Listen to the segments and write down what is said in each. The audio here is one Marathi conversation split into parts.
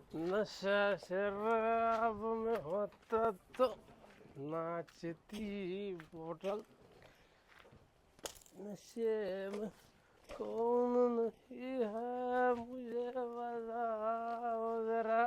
नशा शराब में होता तो नाचती बोतल नशे में कौन नहीं है मुझे बताओ जरा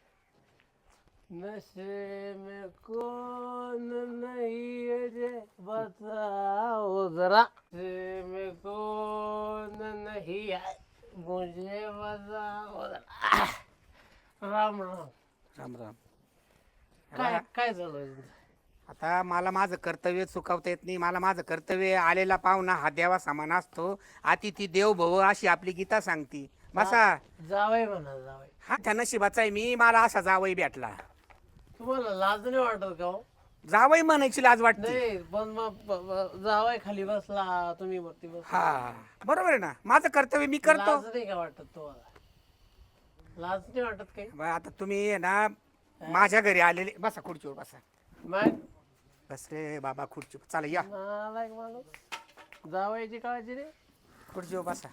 नशे में कौन नहीं है जे बताओ जरा नशे में कौन नहीं है मुझे बताओ जरा राम राम राम राम. काय काय झालं आता मला माझं कर्तव्य चुकवता येत नाही. मला माझं कर्तव्य आलेला पाहुणा हा देवा समान असतो. अतिथी देव भव अशी आपली गीता सांगती. बसा. जावई म्हणा जावई हा त्या नशिबाचा आहे मी. मला असा जावई भेटला. तुम्हाला लाज नाही वाटत का हो? जावई म्हणायची लाज वाटते. नाही पण मग जावई खाली बसला तुम्ही वरती बस हा बरोबर आहे ना. माझं कर्तव्य मी करतो. लाज नाही का वाटत तुम्हाला लाज नाही वाटत काही बरं, आता तुम्ही आहे ना माझ्या घरी आलेले. बसा खुर्चीवर बसा. मग बस रे बाबा खुर्चीवर. चला या नालायक माणूस जावयाची काळजी रे खुर्चीवर बसा.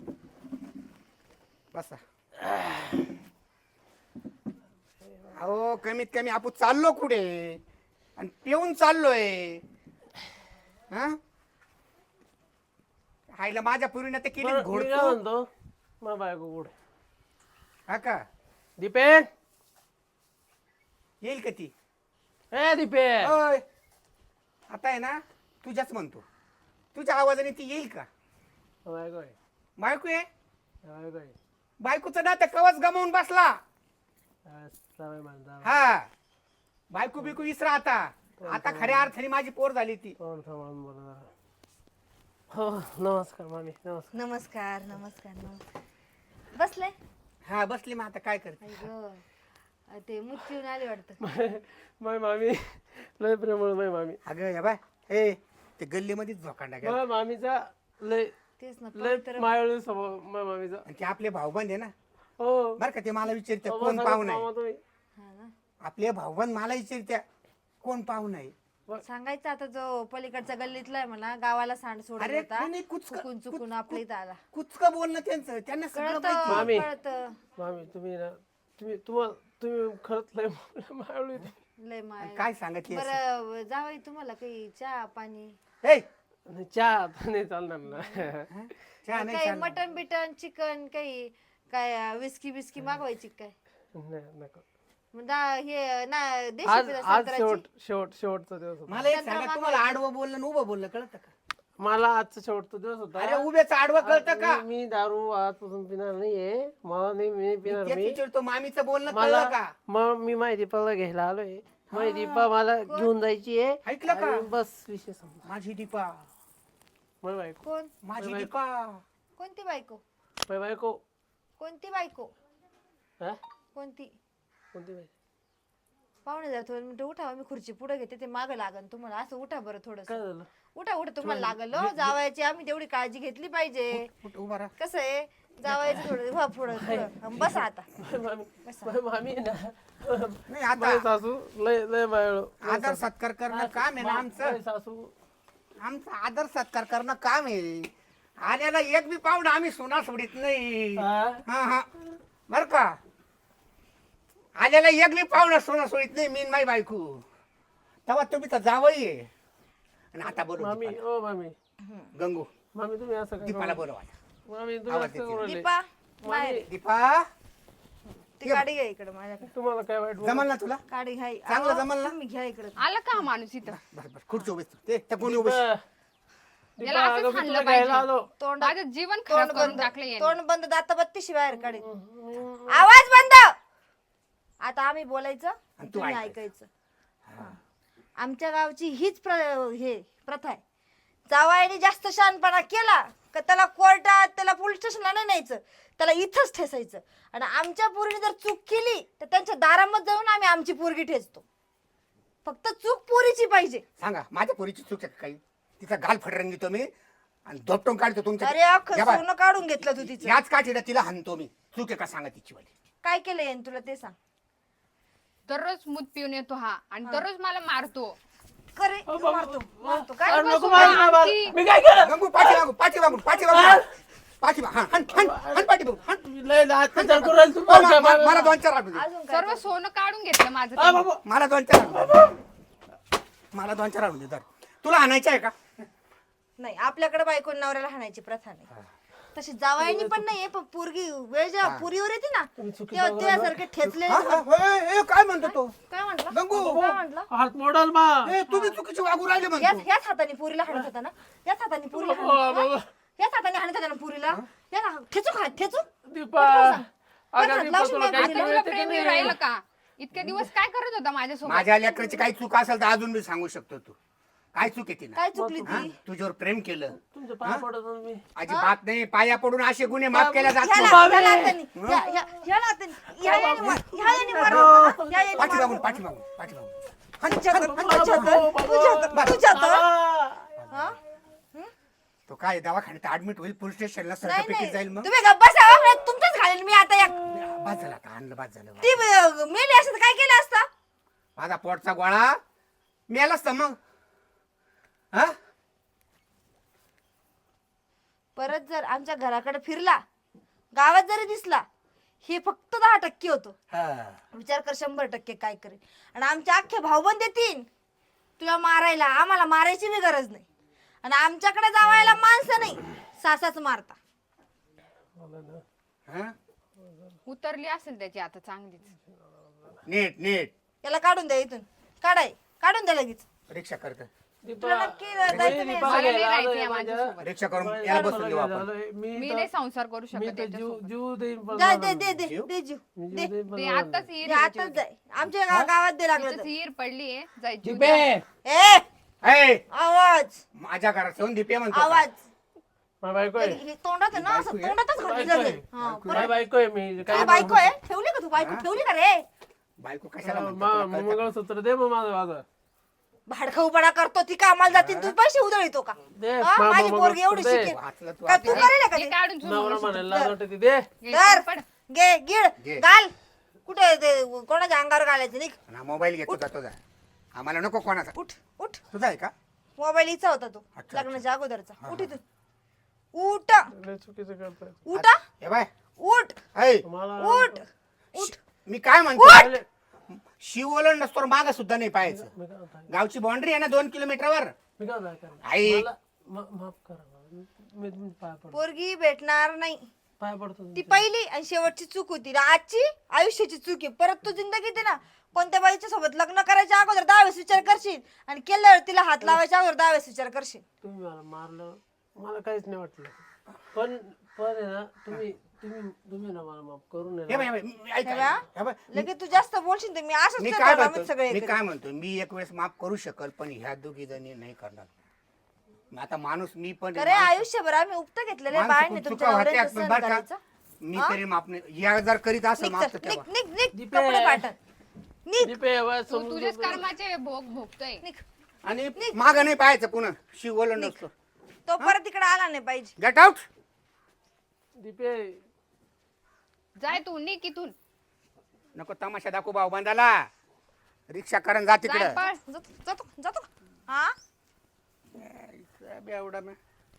बसा. अहो कमीत कमी आपण चाललो कुठे आणि पिऊन चाललोय. हा आईला माझ्या पूर्वीने ते केली बरं, मी काय घोडतो. म्हणतो मग बायको कुठे हा का दीपेन येईल का ती? ए दीपेन ओय, आता आहे ना तुझ्याच म्हणतो. तुझ्या आवाजाने ती येईल का? बायको आहे बायको आहे. बायको आहे बायकोचं ना तर कवच गमावून बसला. जावई म्हण जावई हा बायको बिकू विसरा आता. आता खऱ्या अर्थाने माझी पोर झाली ती. तोंड सांभाळून बोला जरा. हो नमस्कार मामी नमस्कार नमस्कार नमस्कार नमस्कार. बसले हा बसली. मग आता काय करते? आई गं, ते मुच्चीहून आले वाटतं. माय मामी लय प्रेमळ माय मामी अगं या बाय ए ते गल्लीमध्येच झोकांडा गेला. माय मामीचा लय तेच ना लय पवित्र. मायाळू स्वभाव माय मामीचा आणि ते आपले भाऊबंद आहे ना. हो बरं का ते मला विचारते हो, कोण सांगा पाहुणा मामा आहे. तुम्ही हा ना. आपले भाऊबंद मला विचारत्या कोण पाहुणा आहे. सांगायचं आता जो पलीकडचा गल्लीतला आहे म्हणा गावाला सांड सोडून अरे होता नाही, नाही, कुचकं- चुकून चुकून आपल्या इथं आला. कुचकं बोलणं त्यांचं. त्यांना सगळं माहिती. मामी. कळतं मामी तुम्ही ना तुम्ही खरंच लय मायाळू आहे. लय माय. काय सांगितले बरं जावई तुम्हाला काही चहा पाणी नाही, चहा आता नाही चालणार ना चहा नाही काही चालणार. मटन बिटन चिकन काही काय विस्की बिस्की मागवायची काय? नाही नको मग हे ना देशी आज पिता आज संत्र्याची. शेवटचा दिवस होता मला एक सांगा तुम्हाला आडवं बोललं आणि उभं बोललं कळतं का? मला आजचा शेवटचा दिवस अरे होता उभ्याचं आडवं कळतं का? मी दारू आजपासून पिणार नाहीये मला नाही मी पिणार तेच मी विचारतो मामीचं बोलणं मला कळलं का? मग मी माझी दीपाला घ्यायला आलोय माझी दीपा मला घेऊन जायची आहे ऐकलं का? आणि बस विषय संपला माझी दीपा. माझी बायको कोण माझी दीपा. कोणती बायको? माझी बायको कोणती बायको? हा कोणती? कोणती बायको पाहुणे जरा थोडं मिनिटं उठा मी खुर्ची पुढे घेते ते मागं लागन तुम्हाला असं उठा बरं थोडस काय झालं उठा उठा तुम्हाला लागल हो जावायची आम्ही तेवढी काळजी घेतली पाहिजे. उठ, उभा राहा. कसं आहे जावायचं थोडं व्हा पुढं थोडं. बसा आता माझी मामी आहे ना नाही आता माझी सासू लय लय मायाळू आदर सत्कार करणं काम आहे ना आमचं. माझी सासू आमचं आदर सत्कार करणं काम आहे. आल्याला एक बी पाहुणा आम्ही सोना सोडित नाही. हा? हा हा बर का. आल्याला एक बी पाहुणा सोना सोडित नाही. मी आणि माझी बायको. तेव्हा तुम्ही तर जावई आहे. आणि आता बोलू मामी दीपाला. ओ मामी गंगू मामी तुम्ही असं काय दीपाला बोलवा. मामी तुम्ही आवाज असं देते. करू राहिले. दीपा बाहेर ये. दीपा ती गाडी घ्या इकडे माझ्याकडे. तुम्हाला काय वाईट जमल ना तुला? गाडी घ्या चांगलं अहो, जमल ना? तुम्ही घ्या इकडे. आला का हा माणूस इथं बस बस खुर्ची उभी ते त्या कोणी उभी. दीपा, याला असंच अगं मी हाणलं तुला घ्यायला पाहिजे. आलो तोंड माझं जीवन तोंड खराब करून बंद टाकलं याने. तोंड बंद दात बत्तीशी बाहेर काढे. आवाज बंद. आता आम्ही बोलायचं आणि तू तुम्ही ऐकायचं. ऐकायचं. हा. आमच्या गावची हीच हे प्रथा आहे. जावायने जास्त शहाणपणा केला का त्याला कोर्टात त्याला पोलीस स्टेशनला नाही न्यायचं त्याला इथंच ठेसायचं. आणि आमच्या पोरीने जर चूक केली तर त्यांच्या दारामध्ये जाऊन आम्ही आमची पोरगी ठेचतो. फक्त चूक पोरीची पाहिजे. सांगा माझ्या पोरीची चूक आहे का काही? तिचा गाल फडरंग घेतो मी आणि धोपटून काढतो तुमच्या. अरे अख्खं या बाय. सोनं काढून घेतलं तू तिचं. याच काठीला तिला हाणतो मी. चूक आहे का सांगा तिची वाली. काय केलं याने तुला ते सांग. दररोज मूत पिऊन येतो हा आणि दररोज मला मारतो. करे मारतो मारतो काय अरे नको बसू मारू का? ना मला. मी काय केलं गंगू पाठी मागून पाठी मागून पाठी मागून पाठीमा हाण पाठीमा हाण. तुम्ही लय अत्याचार करू राहिले ओ, तुम्ही. मला 2-4 आणू दे. अजून काय सर्व सोनं काढून घेतलं माझं आ, त्यांनी. बाबा. मला 2-4 आणू दे. मला 2-4 आणू दे. तुला आणायचं आहे का? नाही, आपल्याकडे बायको नवऱ्याला हाणायची प्रथा नाही. तशी जावायनी पण नाहीये, पण पोरगी वेळ जेव्हा पुरीवर येते ना तेव्हा त्यासारखे ठेचले. हा, हा, ए, काय म्हणतो तो? काय म्हंटल? गंगू. काय म्हंटल? हात मोडाल बा. ए, तुम्ही चुकीचे वागू राहिले म्हणतो. याच हाताने पुरीला हाणत होता ना, याच हाताने पुरीला हाणत बाबा. होता. याच हाताने हाणत होता ना पुरीला. ठेचू खा, ठेचू. दीपा अगं हात दीपा लावशील तुला नाही काही पुरीला. तुला कळतं की प्रेम नाही? राहिलं का? इतके दिवस काय करत होता माझ्यासोबत? माझ्या लेकराची काही चूक असेल तर अजून मी सांगू शकतो. तू काय चूक आहे तिला? काय चुकली हा? ती? तुझ्यावर प्रेम केलं तुमच्या पाय पडत होतो मी. अजिबात नाही. पाया पडून असे गुन्हे माफ केले जात ह्या नाही. हाताने, ह्या हाताने, ह्या याने मारलं होतं ना? ह्या याने पाठीमागून मारलं पाठीमागून पाठीमागून तुझ्यात. हा? तो काय दवाखान्यात ऍडमिट होईल, पोलीस स्टेशनला नाही सर्टिफिकेट नाही, जाईल. मग तुम्ही गप्प बसा हो. नाही, तुमचंच घालेल मी आता एक. बाद झाला आता, आणलं बाद झालं. ती मेली असत काय केलं असतं? माझा पोटचा गोळा मेलाच तर मग. हा परत जर आमच्या घराकडे फिरला, गावात जरी दिसला, हे फक्त 10% होतो. हा. विचार कर 100% काय करेल. आणि आमचे अख्खे भाऊबंद येतील तुला मारायला. आम्हाला मारायची बी गरज नाही. आणि आमच्याकडे जावायला माणसं नाही, सासाच मारता. हा? उतरली असेल त्याची आता चांगलीच. नीट नीट याला काढून द्या इथून. काढून द्या लगेच. रिक्षा करत तुला नक्की जायचं नाही. मला नाही राहायचं या माझ्यासोबत. रिक्षा करून याला बसून देऊ आपण. मी नाही संसार करू मी शकत तर त्याच्यासोबत. जीव देईन पण जा, दे जीव दे. ते आताच दे, हिर आताच जाय. आमच्या गावात दे लागलं तर. हिर पडली आहे जाय जीव दिपे द्या. ए आवाज माझ्या घरात येऊन दिपे म्हणतो. आवाज. माझी बायको आहे. हे तोंडात आहे ना, असं तोंडातच घातली बायको जाते. आहे. हा, माझी बायको आहे मी. काय बायको आहे? ठेवली का तू बायको? ठेवली का रे? बायको कशाला म्हणतो तुला कळतं का? मंगळसूत्र दे मग माझं. भाडखाऊपणा करतो ती, कामाला जाते, तू पैसे उधळतो का? दे, हा, मामा माझी पोरगी एवढी दे. शिकेल वाचलं तू का? तू आता. करेल का हे ते? काढून सोडून नवरा बसू. म्हणायला लाज वाटते ती. दे. हे धर. पड. घे गिळ घे. घाल. कुठे ते कोणाच्या अंगावर घालायचं? निघ. ना मोबाईल घेतो का तुझा? आम्हाला नको कोणाचा. उठ उठ. तुझा आहे का? मोबाईल हिचा होता तो, अच्छा. लग्नाच्या अगोदरचा. उठ इथून. उठ लय चुकीचं करताय. उठ हे बाय उठ ऐ, मला उठ उठ. मी काय म्हणतो, शिवोलन नसतो मागा सुद्धा नाही पाहायचं. मी काय म्हणतो, गावची बाउंड्री आहे ना 2 किलोमीटरवर. मी काय म्हणतो, आई. मला माफ करा मला. मी तुमच्या पाय पडतो. पोरगी भेटणार नाही. पाय पडतो ती तुमच्या. पहिली आणि शेवटची चूक होती ना. आजची आयुष्याची चूक आहे. परत तू जिंदगीत आहे ना कोणत्या बाईच्या सोबत लग्न करायच्या अगोदर 10 वेळेस विचार करशील, आणि केल्यावर तिला हात लावायच्या अगोदर 10 वेळेस विचार करशील. तुम्ही मला मारलं, मला काहीच नाही वाटलं. पण आहे ना, तुम्ही ना मला माफ करून हे बाय, हे बाय, ऐक, हे बा? हे बाय. लगेच तू जास्त बोलशील तर मी असंच मी करणार, काय आम्ही म्हणतो, सगळे मी एकत्र. काय म्हणतो, मी एक वेळेस माफ करू शकल, पण ह्या दोघी जणी नाही करणार. आता माणूस मी पण अरे आयुष्यभर आम्ही उपत घेतलेले बाळने तुमच्या नवऱ्याचं सहन करायचं. मी तरी माफ नाही. या जर करीत असं निघ माफ चल, तर निघ तेव्हा. निघ निघ दीपे. कपडे पाठन. निघ दीपे, वय तू समजून तुझ्याच घे. कर्माचे भोग भोगतोय. निघ. आणि माग नाही पाहायचं पुन्हा. शिवोलन नसतो. तो परत इकडे आला नाही पाहिजे. Get out. दीपे, जाय तू निघ इथून. नको तमाशा दाखवू भाऊ बांधाला. रिक्षा करून जा जाय तिकडं. पळ. जातो जातो हा. एवढा मी.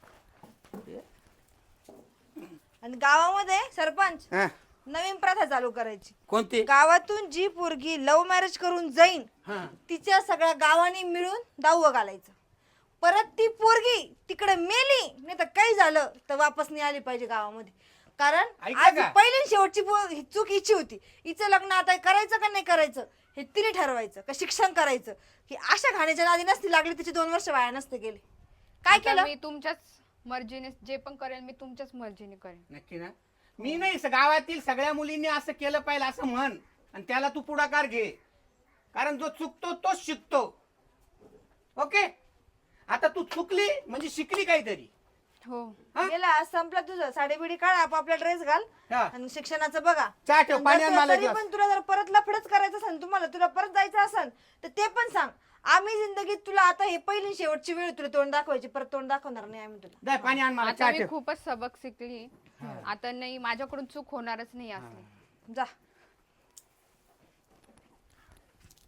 आणि गावामध्ये सरपंच हा, नवीन प्रथा चालू करायची. कोणती? गावातून जी पोरगी लव्ह मॅरेज करून जाईन हा. तिच्या सगळ्या गावांनी मिळून दावं घालायचं. परत ती पोरगी तिकडे मेली नाही तर काही झालं तर वापस नाही आली पाहिजे गावामध्ये. कारण ऐका आज का? पहिली आणि शेवटची ही चूक हिची होती. हिचं लग्न आता करायचं का नाही करायचं हे तिने ठरवायचं, का शिक्षण करायचं. की अशा घाण्याच्या नादी नसती लागली तिचे 2 वर्ष वाया नसते गेले. काय आता केलं? मी तुमच्याच मर्जीने जे पण करेल मी तुमच्याच मर्जीने करेन. नक्की ना. मी नाही, गावातील सगळ्या मुलींनी असं केलं पाहिजे असं म्हण, आणि त्याला तू पुढाकार घे. कारण जो चुकतो तोच शिकतो. ओके. आता तू चुकली म्हणजे शिकली काहीतरी. हो. हा? गेला आज संपला तुझं. साडी बिडी काढ, आपापला ड्रेस घाल हा. आणि शिक्षणाचं बघा. चहा ठेव, पाणी आण मला एक तरी ग्लास. पण तुला जर परत लफडच करायचं असेल, तुला परत जायचं असेल तर ते पण सांग. आम्ही जिंदगीत तुला आता हे पहिली शेवटची वेळ तुला तोंड दाखवायची, परत तोंड दाखवणार नाही आम्ही तुला. दे पाणी आण मला, आता चहा मी ठेव. खूपच सबक शिकली. आता नाही, माझ्याकडून चूक होणारच नाही असली. जा.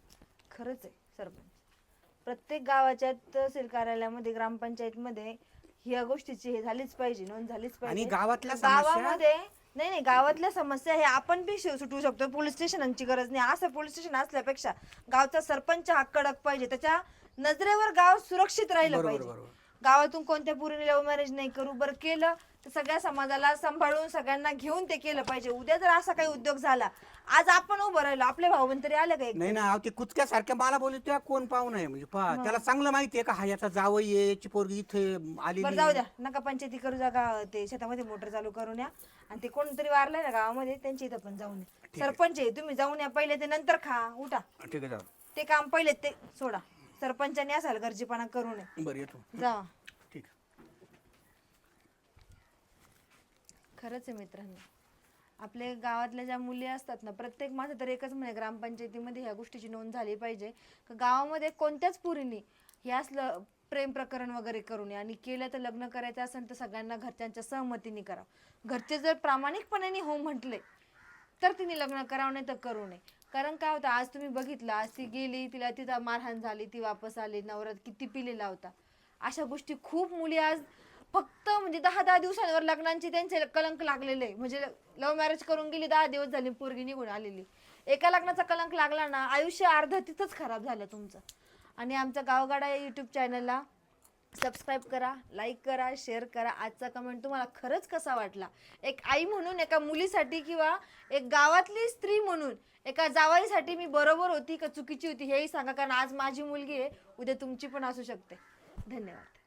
खरंच आहे सरपंच, प्रत्येक गावाच्या तहसील कार्यालयामध्ये ग्रामपंचायत मध्ये ह्या गोष्टीची हे झालीच पाहिजे, नोंद झालीच आणि पाहिजे. गावातल्या समस्या गावामध्ये नाही गावातल्या समस्या हे आपण बी सुटवू शकतो. पोलीस स्टेशनची गरज नाही. असं पोलीस स्टेशन असल्यापेक्षा गावचा सरपंच हा कडक पाहिजे, त्याच्या नजरेवर गाव सुरक्षित राहिलं पाहिजे. गावातून कोणत्या पोरीने लव्ह मॅरेज नाही करू, बरं केलं तर सगळ्या समाजाला सांभाळून सगळ्यांना घेऊन ते केलं पाहिजे. उद्या जर असा काही उद्योग झाला, आज आपण उभं राहिलो, आपले भाऊबंद तरी आले का? नाही ना, ते कुचक्यासारख्या मला बोलले त्या कोण पाहू नये म्हणजे पहा त्याला चांगलं माहितीये का हा याचा जावई आहे, याची पोरगी इथे आलेली बरं जाऊ द्या, नका पंचायती करू, जागा ते शेतामध्ये मोटर चालू करून या. आणि ते कोणतरी वारलंय ना गावामध्ये, त्यांच्या इथं पण जाऊन या. सरपंच आहे, तुम्ही जाऊन या पहिले, ते नंतर खा उठा. ठीक आहे, जाऊ. ते काम पहिले ते सोडा. सरपंचाने असाल गरजेपणा करू नये. बरं येतो. जा. ठीक. खरंच आहे मित्रांनो, आपल्या गावातल्या ज्या मुली असतात ना, प्रत्येक माझं तर एकच म्हणे, ग्रामपंचायतीमध्ये ह्या गोष्टीची नोंद झाली पाहिजे का गावामध्ये कोणत्याच पुरीनी हे असलं प्रेम प्रकरण वगैरे करू नये. आणि केलं तर लग्न करायचं असेल तर सगळ्यांना घरच्यांच्या सहमतीने करावं. घरचे जर प्रामाणिकपणाने हो म्हटले तर तिने लग्न करावं, नाही तर करू नये. कारण काय होतं, आज तुम्ही बघितलं, आज ती गेली, तिला तिथं मारहाण झाली, ती वापस आली, नवरा किती पिलेला होता. अशा गोष्टी खूप मुली आज फक्त म्हणजे 10-10 दिवसांवर लग्नांचे त्यांचे कलंक लागलेले. म्हणजे लव्ह मॅरेज करून गेली, 10 दिवस झाली, पोरगी निघून आलेली. एका लग्नाचा कलंक लागला ना, आयुष्य अर्ध तिथंच खराब झालं तुमचं. आणि आमच्या गावगाडा या यूट्यूब चॅनलला सबस्क्राईब करा, लाईक करा, शेअर करा. आजचा कमेंट तुम्हाला खरंच कसा वाटला? एक आई म्हणून, एका मुलीसाठी किंवा एक गावातली स्त्री म्हणून एका जावाईसाठी मी बरोबर होती का चुकीची होती हेही सांगा. कारण आज माझी मुलगी आहे, उद्या तुमची पण असू शकते. धन्यवाद.